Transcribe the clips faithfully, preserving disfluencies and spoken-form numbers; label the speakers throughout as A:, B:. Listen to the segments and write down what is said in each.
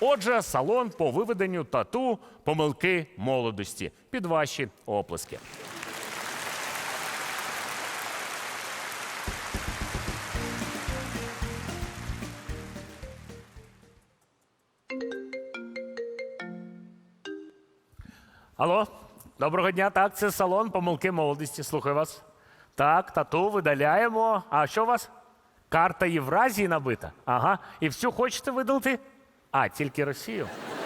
A: Отже, салон по виведенню тату помилки молодості. Під ваші оплески. Алло, доброго дня. Так, це салон помилки молодості. Слухаю вас. Так, тату видаляємо. А що у вас? Карта Євразії набита? Ага. І всю хочете видалити? А, тільки Росію?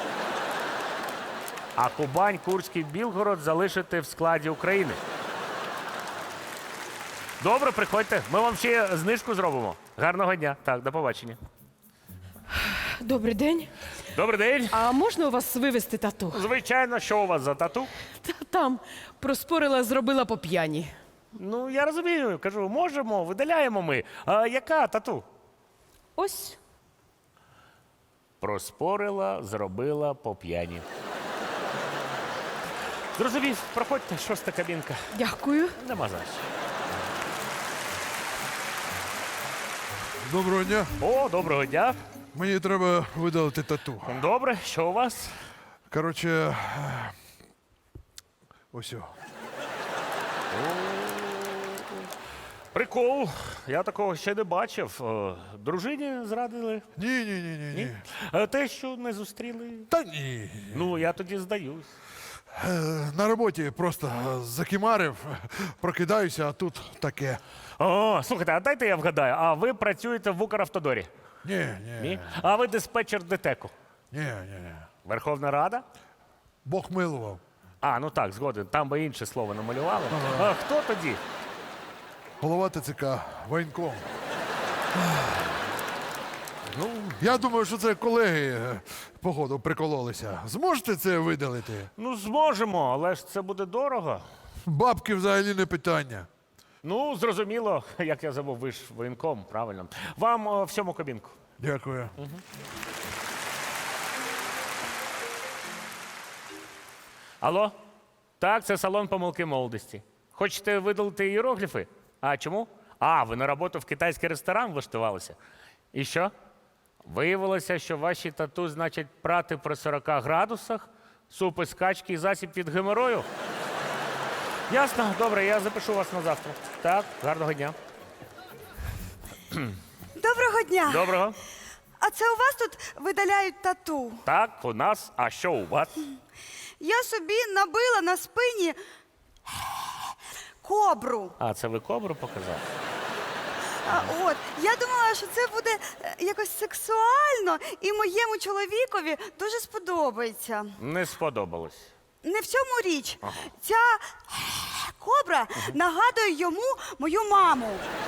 A: А Кубань, Курський, Білгород залишити в складі України? Добре, приходьте. Ми вам ще знижку зробимо. Гарного дня. Так, до побачення.
B: Добрий день.
A: Добрий день.
B: А можна у вас вивезти тату?
A: Звичайно, що у вас за тату?
B: Та там проспорила, зробила по п'яні.
A: Ну, я розумію. Кажу, можемо, видаляємо ми. А яка тату?
B: Ось.
A: Проспорила, зробила по п'яні. Зрозумів, проходьте, шоста кабінка.
B: Дякую.
A: Нема за що.
C: Доброго дня.
A: О, доброго дня.
C: Мені треба видалити тату.
A: Добре, що у вас?
C: Коротше, ось. о.
A: Прикол. Я такого ще не бачив. Е, Дружині зрадили?
C: Ні, ні, ні, ні, ні.
A: Е, Те, що не зустріли?
C: Та ні.
A: Ну, я тоді здаюсь.
C: Е, На роботі просто закимарив, прокидаюся, а тут таке.
A: О, слухайте, а дайте я вгадаю, а ви працюєте в Укравтодорі?
C: Ні, ні,
A: Ні? А ви диспетчер ДТЕКу?
C: ні, ні, ні.
A: Верховна Рада?
C: Бог милував.
A: А, ну так, згоден. Там би інше слово намалювали. А хто тоді?
C: Голова ТЦК, воєнком.
A: Ну,
C: Я думаю, що це колеги, е, походу, прикололися. Зможете це видалити?
A: ну зможемо, але ж це буде дорого.
C: Бабки взагалі не питання.
A: Ну, зрозуміло, як я забув, ви ж воєнком, правильно. Вам о, в сьому кабінку.
C: Дякую.
A: Алло? Так, це салон помилки молодості. Хочете видалити іерогліфи? А чому? А, ви на роботу в китайський ресторан влаштувалися. І що? Виявилося, що ваші тату значить прати при сорока градусах, суп із качки і засіб від геморою? Ясно, добре, я запишу вас на завтра. Так, гарного дня.
D: Доброго дня.
A: Доброго.
D: А це у вас тут видаляють тату?
A: Так, у нас, а що у вас?
D: Я собі набила на спині кобру.
A: А, це ви кобру показали?
D: А, от, я думала, що це буде е, якось сексуально і моєму чоловікові дуже сподобається.
A: Не сподобалось.
D: Не в цьому річ. Ця кобра нагадує йому мою маму.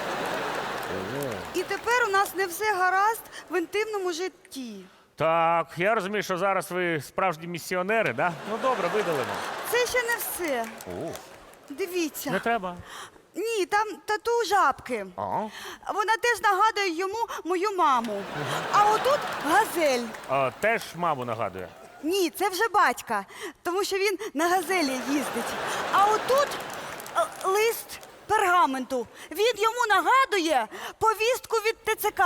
D: І тепер у нас не все гаразд в інтимному житті.
A: Так, я розумію, що зараз ви справжні місіонери, да? Ну добре, видалимо.
D: Це ще не все.
A: О,
D: Дивіться.
A: не треба.
D: Ні, там тату жабки.
A: А?
D: Вона теж нагадує йому мою маму. А отут газель.
A: А, теж маму нагадує.
D: Ні, це вже батька, тому що він на газелі їздить. А отут е, лист пергаменту. Він йому нагадує повістку від ТЦК.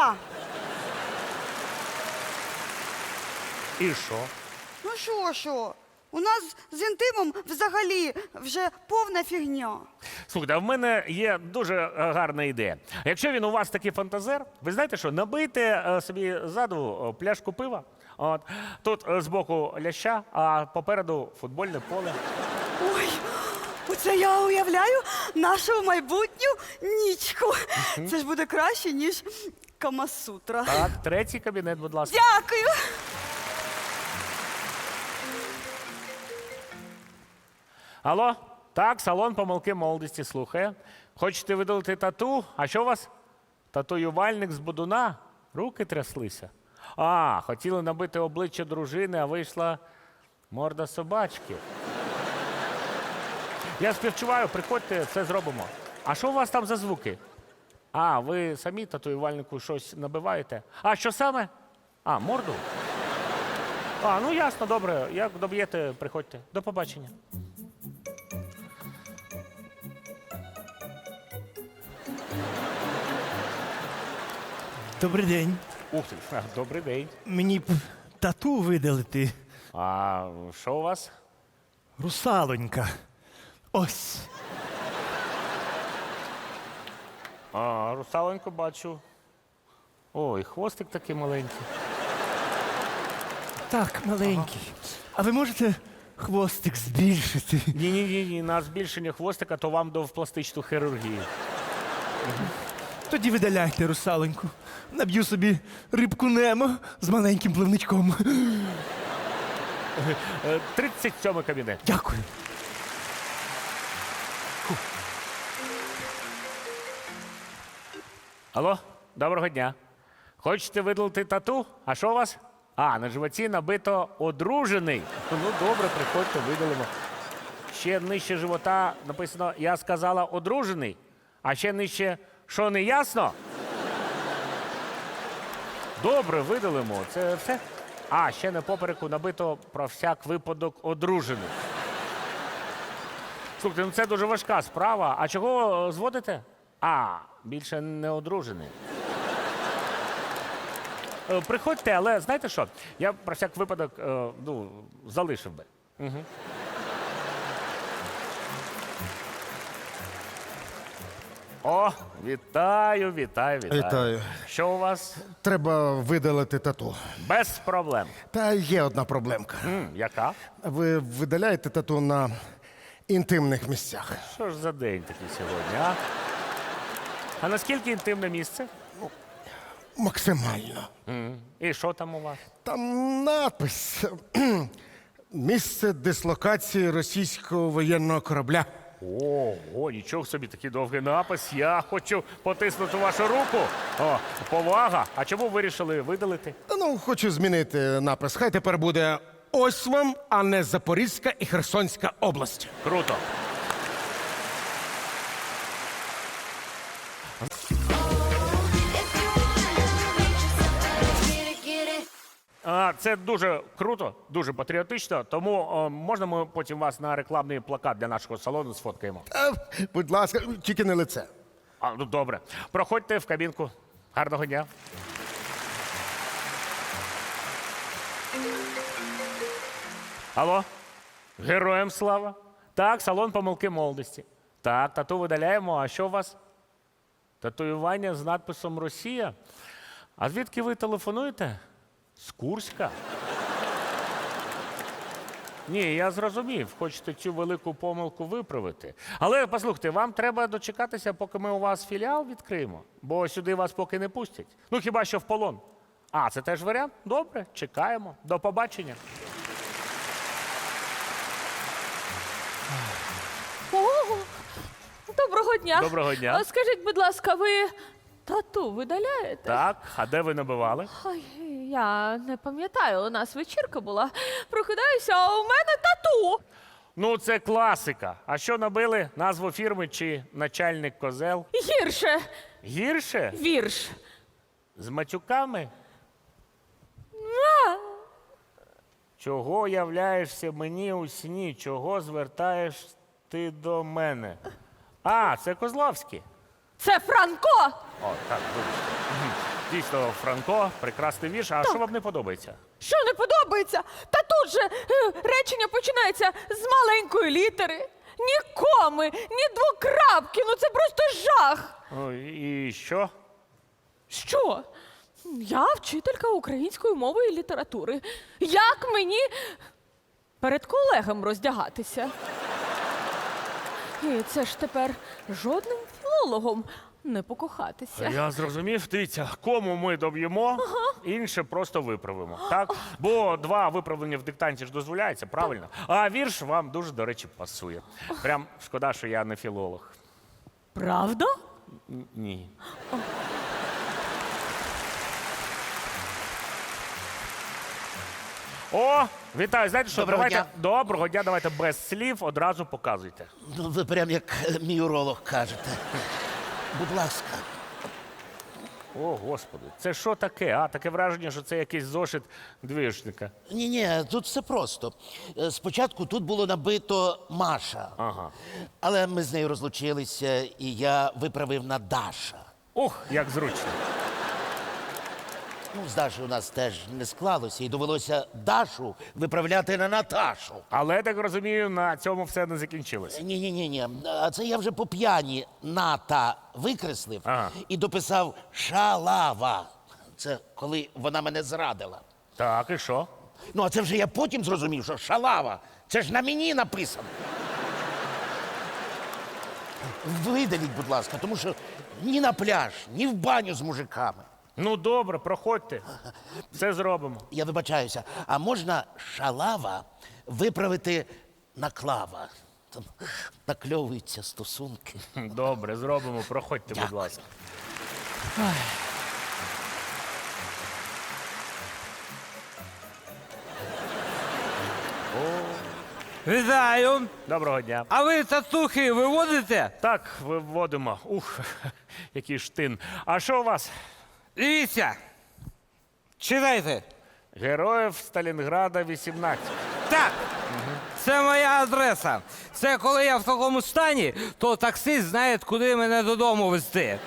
A: І що?
D: Ну що, що? У нас з інтимом взагалі вже повна фігня.
A: Слухайте, а в мене є дуже е, гарна ідея. Якщо він у вас такий фантазер, ви знаєте що, набийте е, собі ззаду е, пляшку пива. От. Тут е, збоку ляща, а попереду футбольне поле.
D: Ой, оце я уявляю нашу майбутню нічку. Це ж буде краще, ніж Камасутра.
A: Так, третій кабінет, будь ласка.
D: Дякую.
A: Алло? Так, салон помилки молодості слухає. Хочете видалити тату? А що у вас? Татуювальник з Будуна? Руки тряслися. А, хотіли набити обличчя дружини, а вийшла морда собачки. Я співчуваю, приходьте, це зробимо. А що у вас там за звуки? А, ви самі татуювальнику щось набиваєте? А що саме? А, морду? А, ну ясно, добре. Як доб'єте, приходьте. До побачення.
E: Добрий день.
A: Ух ти, а, добрий день.
E: Мені б тату видалити.
A: А що у вас?
E: Русалонька. Ось.
A: А, русаленьку бачу. Ой, хвостик такий маленький.
E: Так, маленький. А ви можете хвостик збільшити?
A: Ні, ні, ні, ні, на збільшення хвостика, то вам до в пластичну хірургію.
E: Тоді видаляйте русалоньку. Наб'ю собі рибку Немо з маленьким пливничком.
A: Е, тридцять сьомий кабінет.
E: Дякую.
A: Алло, доброго дня. Хочете видалити тату? А що у вас? А, на животі набито одружений. Ну добре, приходьте, видалимо. Ще нижче живота написано «Я сказала одружений», а ще нижче «Що не ясно?» Добре, видалимо. Це все? А, ще на попереку набито про всяк випадок одружений. Слухайте, ну це дуже важка справа. А чого зводите? А, більше не одружений. Е, Приходьте, але знаєте що? Я про всяк випадок е, ну, залишив би. Угу. О, вітаю, вітаю, вітаю.
F: Вітаю.
A: Що у вас?
F: Треба видалити тату.
A: Без проблем.
F: Та є одна проблемка.
A: М, яка?
F: Ви видаляєте тату на інтимних місцях.
A: Що ж за день такий сьогодні, а? А наскільки інтимне місце?
F: Максимально.
A: М, І що там у вас?
F: Там напис. Місце дислокації російського воєнного корабля.
A: Ого, нічого собі, такий довгий напис. Я хочу потиснути вашу руку. О, повага. А чому вирішили видалити?
F: Та ну, хочу змінити напис. Хай тепер буде ось вам, а не Запорізька і Херсонська область.
A: Круто. А, це дуже круто, дуже патріотично. Тому о, можна ми потім вас на рекламний плакат для нашого салону сфоткаємо?
F: Та, будь ласка, тільки не лице.
A: А, ну добре. Проходьте в кабінку. Гарного дня. Алло? Героям слава. Так, салон помилки молодості. Так, тату видаляємо. А що у вас? Татуювання з надписом Росія. А звідки ви телефонуєте? З Курська? Ні, я зрозумів. Хочете цю велику помилку виправити. Але послухайте, вам треба дочекатися, поки ми у вас філіал відкриємо, бо сюди вас поки не пустять. Ну хіба що в полон. А, це теж варіант? Добре, чекаємо. До побачення.
G: О, доброго дня.
A: Доброго дня.
G: А скажіть, будь ласка, ви тату видаляєте?
A: Так, а де ви набивали?
G: Ой, я не пам'ятаю, у нас вечірка була. Прокидаюся, а у мене тату.
A: Ну, це класика. А що набили? Назву фірми чи начальник козел?
G: Гірше.
A: Гірше?
G: Вірш.
A: З матюками? Чого являєшся мені у сні? Чого звертаєш ти до мене? А, це Козловський.
G: Це Франко.
A: О, так, вибачте. Мгм. Дійсно, Франко, прекрасний вірш. А що вам не подобається?
G: Що не подобається? Та тут же е, речення починається з маленької літери. Ні коми, ні двокрапки. Ну це просто жах.
A: О, і що?
G: Що? Я вчителька української мови і літератури. Як мені перед колегами роздягатися? І це ж тепер жодним філологом не покохатися.
A: Я зрозумів. Дивіться, кому ми доб'ємо, інше просто виправимо. Так? Бо два виправлення в диктанті ж дозволяється, правильно? А вірш вам дуже, до речі, пасує. Прям шкода, що я не філолог.
G: Правда?
A: Н- Ні. О, вітаю. Знаєте що?
H: Доброго
A: давайте
H: дня.
A: доброго дня, давайте без слів одразу показуйте.
H: Ну, ви прям як е, мій уролог кажете. Будь ласка.
A: О, Господи, це що таке? А, таке враження, що це якийсь зошит двіжника.
H: Ні, ні, тут все просто. Е, Спочатку тут було набито Маша.
A: Ага.
H: Але ми з нею розлучилися, і я виправив на Даша.
A: Ух, як зручно.
H: Ну, з Дашою у нас теж не склалося, і довелося Дашу виправляти на Наташу.
A: Але я так розумію, на цьому все не закінчилось.
H: Ні, ні, ні, ні. А це я вже по п'яні ната викреслив
A: Ага.
H: і дописав шалава. Це коли вона мене зрадила.
A: Так, і що?
H: Ну, а це вже я потім зрозумів, що шалава. Це ж на мені написано. Видаліть, будь ласка, тому що ні на пляж, ні в баню з мужиками.
A: Ну добре, проходьте. Все зробимо.
H: Я вибачаюся, а можна шалава виправити на клава? Там накльовуються стосунки.
A: Добре, зробимо. Проходьте, будь
H: Дякую.
A: ласка.
E: Вітаю!
A: Доброго дня.
E: А ви татухи виводите?
A: Так, виводимо. Ух, який штин. А що у вас?
E: Дивіться. Читайте.
A: Героїв Сталінграда вісімнадцять.
E: Так. Це моя адреса. Це коли я в такому стані, то таксист знає, куди мене додому везти.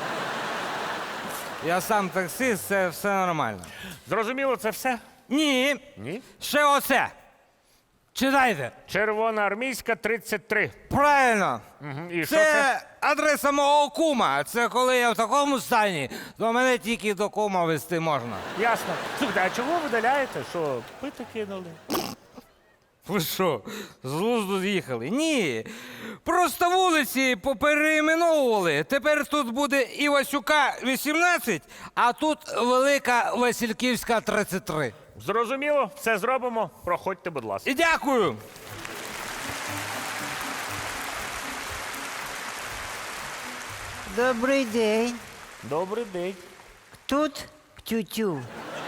E: Я сам таксист, це все нормально.
A: Зрозуміло, це все?
E: Ні.
A: Ні.
E: Ще оце. Читайте.
A: Червоноармійська тридцять три.
E: Правильно.
A: Мгм. І що
E: Це
A: це?
E: адреса мого кума. Це коли я в такому стані, то мене тільки до кума везти можна.
A: Ясно. Слухайте, а чого ви видаляєте? Що, пити кинули?
E: Ви що, з глузду з'їхали? Ні. Просто вулиці попереіменовували. Тепер тут буде Івасюка вісімнадцять, а тут Велика Васильківська тридцять три.
A: Зрозуміло, все зробимо. Проходьте, будь ласка.
E: І дякую.
I: Добрий день.
A: Добрий день.
I: Тут тютю.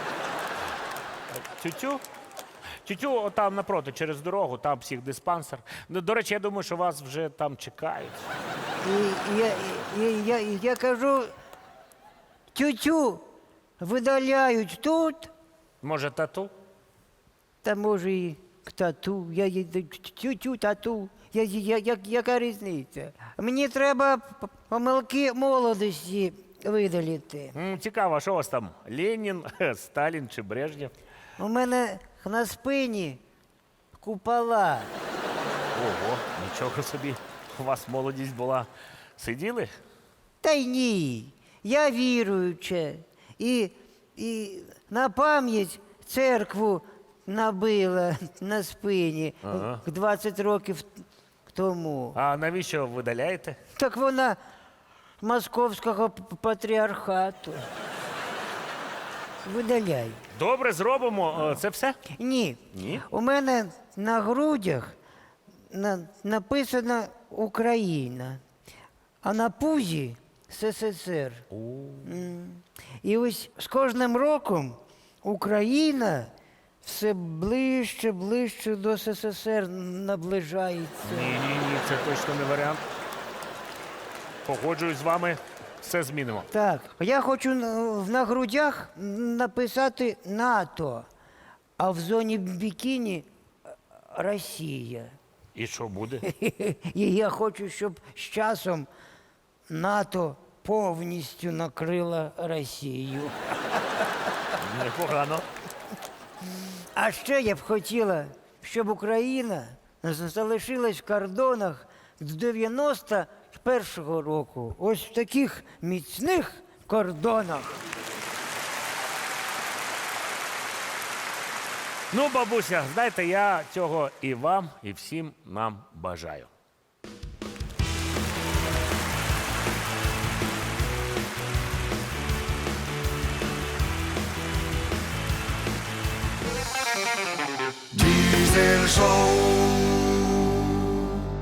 A: Тютю? Тютю, отам напроти, через дорогу, там психдиспансер. Ну, до речі, я думаю, що вас вже там чекають.
I: І я, і, я, і я кажу, тютю видаляють тут,
A: Може, тату?
I: та може і к тату. Я, я, тютю, тату. Я, я, я, яка різниця? Мені треба п- помилки молодості видалити.
A: М, цікаво, а що у вас там? Ленін, Сталін чи Брежнєв?
I: У мене на спині купола.
A: Ого, нічого собі. У вас молодість була. Сиділи?
I: Та й ні. Я віруюча. І, і на пам'ять церкву набила на спині двадцять років тому.
A: А навіщо видаляєте?
I: Так вона московського п- патріархату. Видаляй.
A: Добре, зробимо. Е, Це все?
I: Ні.
A: Ні?
I: У мене на грудях на, написано Україна, а на пузі СССР. М. І ось з кожним роком Україна все ближче, ближче до СССР наближається.
A: Ні, ні, ні, це точно не варіант. Погоджуюсь з вами, все змінимо.
I: Так, я хочу на- на грудях написати НАТО, а в зоні бікіні Росія.
A: І що буде?
I: І я хочу, щоб з часом НАТО повністю накрила Росію.
A: Непогано.
I: А ще я б хотіла, щоб Україна з- залишилась в кордонах з дев'яносто першого року. Ось в таких міцних кордонах.
A: Ну, бабуся, знаєте, я цього і вам, і всім нам бажаю.
J: Diesel Show.